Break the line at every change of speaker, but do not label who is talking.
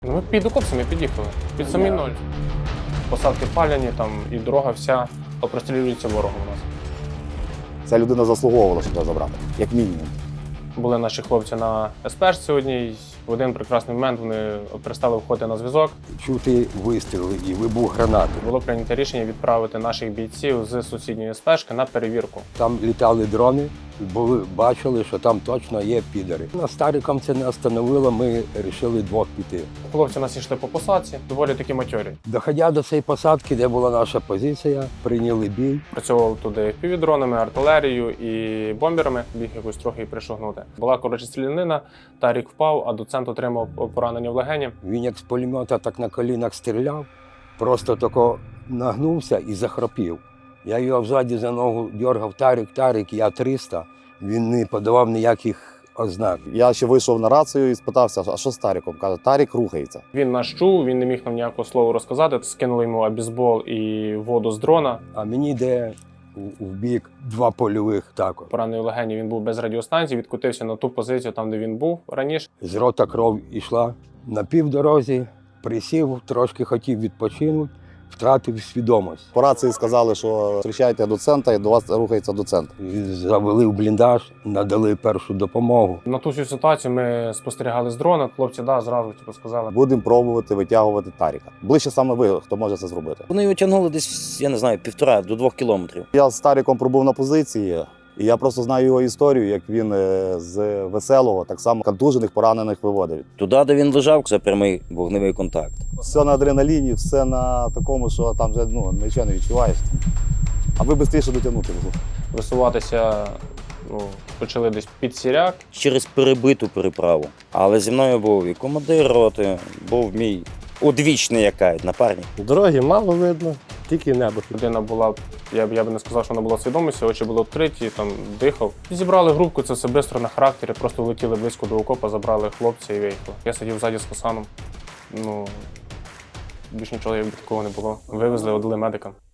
Ну, ми під окоп самі під'їхали, під самі ноль. Посадки паляні, там і дорога вся прострілюється ворогом у нас.
Ця людина заслуговувала, щоб його забрати, як мінімум.
Були наші хлопці на СПшці одній. В один прекрасний момент вони перестали виходити на зв'язок.
Чути вистріли і вибух гранати.
Було прийнято рішення відправити наших бійців з сусідньої СПшки на перевірку.
Там літали дрони, бачили, що там точно є підари. Нас Стариком це не остановило, ми вирішили двох піти.
Хлопці у нас йшли по посадці, доволі такі матьорі.
Доходя до цієї посадки, де була наша позиція, прийняли бій.
Працював туди півдронами, артилерією і бомберами, біг якось трохи і пришогнути. Була коротше стрілянина, Тарік впав, а доцент отримав поранення в легені.
Він як з пулемета так на колінах стріляв, просто тако нагнувся і захропів. Я його взаді за ногу дергав: Тарік, я 300. Він не подавав ніяких ознак.
Я ще вийшов на рацію і спитався, а що з Таріком? Каже, Тарік рухається.
Він нас чув, він не міг нам ніякого слова розказати. Скинули йому абізбол і воду з дрона.
А мені йде в бік два польових також.
Поранений в легені, він був без радіостанції, відкотився на ту позицію, там, де він був раніше.
З рота кров йшла. На півдорозі присів, трошки хотів відпочинути, втратив свідомість.
По рації сказали, що зустрічайте доцента і до вас рухається доцент.
Завели в бліндаж, надали першу допомогу.
На ту всю ситуацію ми спостерігали з дрона. Хлопці, зразу сказали.
Будемо пробувати витягувати Таріка. Ближче саме ви, хто може це зробити.
Вони його тягнули десь, я не знаю, 1,5 до 2 кілометрів.
Я з Таріком пробув на позиції, і я просто знаю його історію, як він з Веселого так само контужених, поранених виводив.
Туди, де він лежав, це прямий вогневий контакт.
Все на адреналіні, все на такому, що там вже нічого не відчуваєш. Аби швидше дотягнути.
Висуватися почали десь під Сіряк.
Через перебиту переправу. Але зі мною був і командир роти, був мій одвічний напарник.
Дороги мало видно, тільки небо.
Людина була, я би не сказав, що вона була в свідомості, очі були відкриті, там дихав. Зібрали групку, це все швидко на характері, просто влетіли близько до окопа, забрали хлопця і виїхали. Я сидів ззаді з Хасаном. Більш нічого такого не було. Вивезли, віддали медикам.